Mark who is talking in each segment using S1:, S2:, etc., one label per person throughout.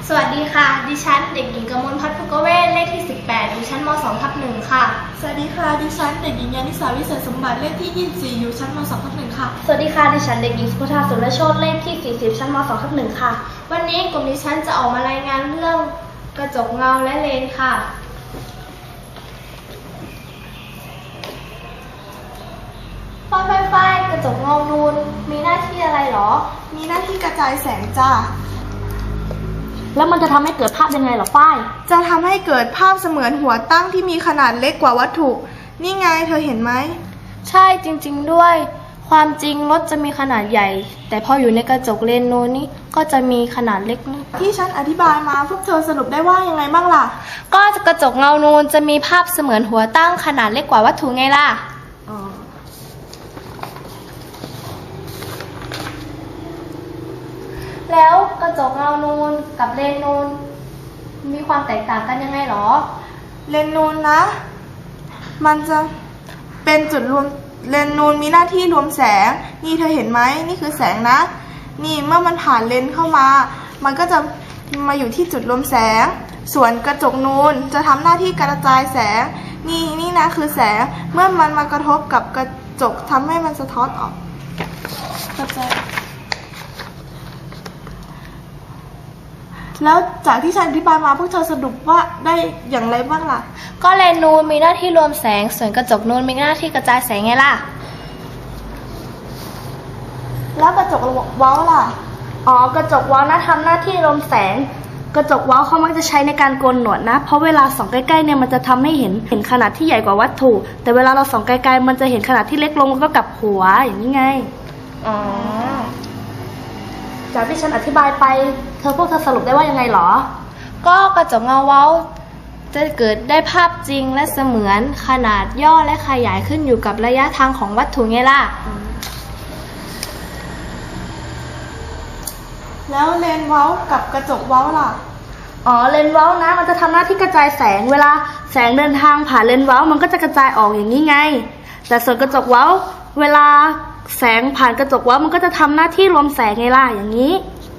S1: สวัสดีค่ะดิฉันเด็กหญิงกมลพัฒน์ภูกเวศเลขที่18อยู่ชั้นม2/1ค่ะ
S2: สวัสดีค่ะดิฉันเด็กหญิงยานิสาวิเศษสมบัติเลขที่24อยู่ชั้นม2/1ค่ะ
S3: สวัสดีค่ะดิฉันเด็กหญิงสุภธาสุรโชติเลขที่40ชั้นม2/1ค่ะ
S1: วันนี้กลุ่มดิฉันจะออกมารายงานเรื่องกระจกเงาและเลนค่ะไฟกระจกเงานูนมีหน้าที่อะไรหรอ
S2: มีหน้าที่กระจายแสงจ้า
S3: แล้วมันจะทำให้เกิดภาพยังไงหรอฝ้าย
S2: จะทำให้เกิดภาพเสมือนหัวตั้งที่มีขนาดเล็กกว่าวัตถุนี่ไงเธอเห็นไหม
S1: ใช่จริงๆด้วยความจริงรถจะมีขนาดใหญ่แต่พออยู่ในกระจกเลนส์นูนนี่ก็จะมีขนาดเล็ก
S2: ที่ฉันอธิบายมาพวกเธอสรุปได้ว่ายังไงบ้างล่ะ
S1: ก็กระจกเงานูนจะมีภาพเสมือนหัวตั้งขนาดเล็กกว่าวัตถุไงล่ะแล้วกระจกเงานูนกับเลนส์นูนมีความแตกต่างกันยังไงหรอ
S2: เลนส์นูนนะมันจะเป็นจุดรวมเลนส์นูนมีหน้าที่รวมแสงนี่เธอเห็นไหมนี่คือแสงนะนี่เมื่อมันผ่านเลนส์เข้ามามันก็จะมาอยู่ที่จุดรวมแสงส่วนกระจกนูนจะทำหน้าที่กระจายแสงนี่นะคือแสงเมื่อมันมากระทบกับกระจกทำให้มันสะท้อนออกกระจายแล้วจากที่ฉันอธิบายมาพวกเธอสรุปว่าได้อย่างไรบ้างล่ะ
S1: ก็เลนส์นูนมีหน้าที่รวมแสงส่วนกระจกนูนมีหน้าที่กระจายแสงไงล่ะ
S2: แล้วกระจกเว้าล่ะ
S3: กระจกเว้านะทำหน้าที่รวมแสงกระจกเว้าเขามักจะใช้ในการโกนหนวดนะเพราะเวลาส่องใกล้ๆเนี่ยมันจะทำให้เห็นขนาดที่ใหญ่กว่าวัตถุแต่เวลาเราส่องไกลๆมันจะเห็นขนาดที่เล็กลงแล้วก็กลับหัวอย่างนี้ไงจากที่ฉันอธิบายไปพวกเธอสรุปได้ว่ายังไงหรอ
S1: ก็กระจกเงาเว้าจะเกิดได้ภาพจริงและเสมือนขนาดย่อและขยายขึ้นอยู่กับระยะทางของวัตถุไงล่ะ
S2: แล้วเลนส์เว้ากับกระจกเว้าล่ะ
S3: เลนส์เว้านะมันจะทำหน้าที่กระจายแสงเวลาแสงเดินทางผ่านเลนส์เว้ามันก็จะกระจายออกอย่างนี้ไงแต่ส่วนกระจกเว้าเวลาแสงผ่านกระจกเว้ามันก็จะทำหน้าที่รวมแสงไงล่ะอย่างนี้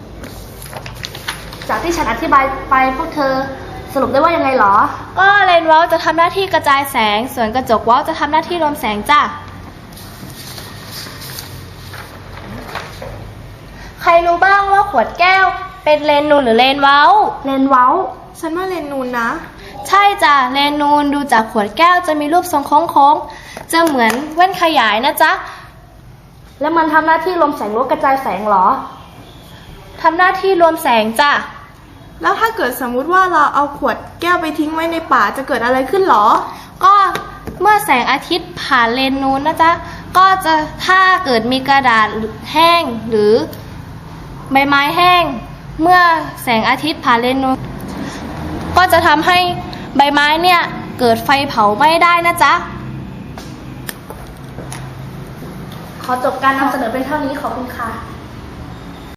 S3: จากที่ฉันอธิบายไปพวกเธอสรุปได้ว่ายังไงหรอ
S1: ก็เลนส์เว้าจะทำหน้าที่กระจายแสงส่วนกระจกเว้าจะทำหน้าที่รวมแสงจ้ะใครรู้บ้างว่าขวดแก้วเป็นเลนส์นูนหรือเลนส์เว้า
S3: เลนส์เว้า
S2: ฉันว่าเลนส์นูนนะ
S1: ใช่จ้ะเลนส์นูนดูจากขวดแก้วจะมีรูปทรงโค้งๆจะเหมือนแว่นขยายนะจ๊ะ
S3: แล้วมันทำหน้าที่รวมแสงหรือกระจายแสงหรอ
S1: ทำหน้าที่รวมแสงจ้ะ
S2: แล้วถ้าเกิดสมมุติว่าเราเอาขวดแก้วไปทิ้งไว้ในป่าจะเกิดอะไรขึ้นหรอ
S1: ก็เมื่อแสงอาทิตย์ผ่านเลนส์นูนนะจ๊ะก็จะถ้าเกิดมีกระดาษแห้งหรือใบไม้แห้งเมื่อแสงอาทิตย์ผ่านเลนส์นูนก็จะทำให้ใบไม้เนี่ยเกิดไฟเผาไหม้ได้นะจ๊ะ
S3: ขอจบการนำเสนอเป็นเท่านี้ขอบคุณค่ะ